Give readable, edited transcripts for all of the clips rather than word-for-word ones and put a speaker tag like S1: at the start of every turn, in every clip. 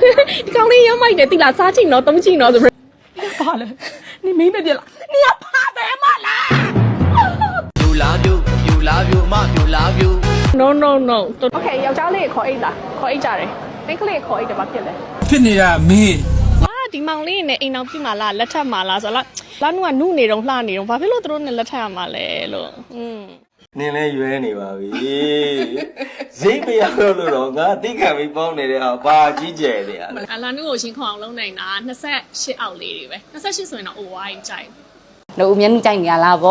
S1: ဒီကောင်လေးရောက်မိုက်တယ်တိလားစားချင်တော့သုံးချင်တော့ဆိုပြီးဘာလဲနေမင်းပဲပြလားနေကဖားတယ်မလား
S2: You love you မ you love you
S1: no okay ယောက်ျားလေးခေါ်အိတ်လားခေါ်အိတ်ကြတယ်မိန်းကလေးခေါ်အိတ်တယ်ဘာဖြစ်လဲ
S3: ဖြစ်နေတာမင်း
S1: ဒီမောင်လေးနဲ့အိမ်အောင်ပြမှာလားလက်ထပ်မှာလားဆိုတော့လာနုကနုနေတော့လှနေတော့ဘာဖြစ်လို့သူတို့နဲ့လက်ထပ်ရမှာလဲလို့
S4: နင်းလဲရွဲနေပါပြီဈေးမရတော့ငါတိခံပြီးပေါင်းနေတဲ့ဟာဘာကြီးကျယ်နေရလဲ
S1: လာနုကိုရှင်းခေါအောင်လုံးနိုင်တာ28အောက်လေးတွေပဲ28ဆိုရင်တော့ over ကြိုက်
S5: တို့အမြဲတမ်းကြိုက်နေရလားဗော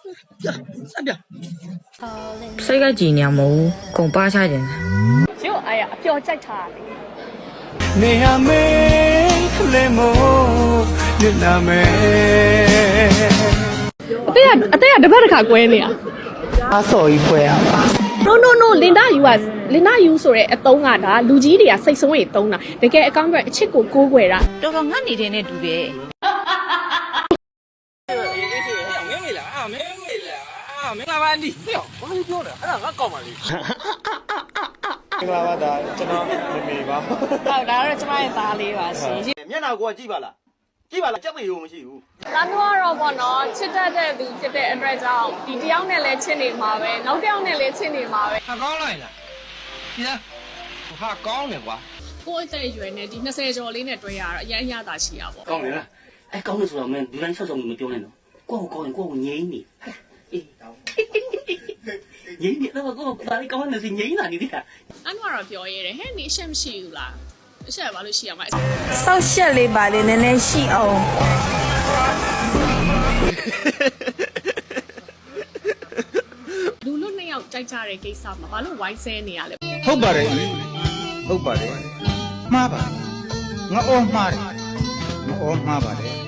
S6: စိတ်ကကြည်နေမှာမဟုတ်ကုန်ပါချခြင်း
S1: ရုပ်အားရအပျော်ကြိုက်တာလေ
S3: နေရမေးလေမို့ညနာမေ
S1: အသေးကတပတ်တစ်ခါကွဲနေတာ
S3: အစော်ကြီးဖွဲရပါ
S1: no Linda you ဆိုတဲ့အတုံးကဒါလူကြီးတွေကစိတ်ဆုံးရင်တုံးတာတကယ်အကောင့်ပဲအချစ်ကိုကိုးကွယ်တာ
S6: တော်တော်ငတ်နေတဲ့နဲ့တူတယ်
S3: မင်္ဂလာပါအန်ဒီပြောဘာလို့ပြောလဲအဲ့ဒါငါကောက်ပါလေမင်္ဂလာပါဒါကျွန်တော်မေပါ
S1: ဟုတ်ဒါတော့ကျမရဲ့သားလေးပါရှင်
S4: မျက်နှာကိုကြည့်ပါလားကြည့်ပါလားကြက်ပေရုံမရှိဘူး
S1: လာနုကတော့ပေါ့နော်ချစ်တတ်တဲ့သူဖြစ်တဲ့အတွက်ကြောင့်ဒီတယောက်နဲ့လည်းချစ်နေမှာပဲနောက်တစ်ယောက်နဲ့လည်းချစ်နေမှာပဲ
S3: ဟာကောင်းလိုက်လားဒီလားဟာကောင်းတယ်ကွာ
S1: ကိုယ့်အသက်အရွယ်နဲ့ဒီ20ကျော်လေးနဲ့တွေ့ရတော့အရင်အရသာရှိရပါ
S7: ကောင်းတယ်လားအဲကောင်းလို့ဆိုတော့မင်းဒီတိုင်းဆော့ဆော့မပြောနဲ့နော်ကိုယ့်ကိုကောင်းရင်ကိုယ့်ကိုငြိမ်းနေအေးငြိမ်းနေတော့ကိုယ့်ဒါလေးကောင်းနေစီငြိမ်းလာနေသေးတာ
S1: အန်ကတော့ပြောရဲတယ်ဟဲ့နေအရှက်မရှိဘူးလားအရှက်ဘာလို့ရှိရမှာ
S6: စောက်ရှက်လေးပါလေနည်းနည်းရှိအောင်
S1: လူလူနှစ်ယောက်ကြိုက်ကြတဲ့ကိစ္စမှာဘာလို့ဝိုင်းဆဲနေရလဲ
S3: ဟုတ်ပါတယ်ဟုတ်ပါတယ်မှားပါငါအော်မှားတယ်ငါအော်မှားပါတယ်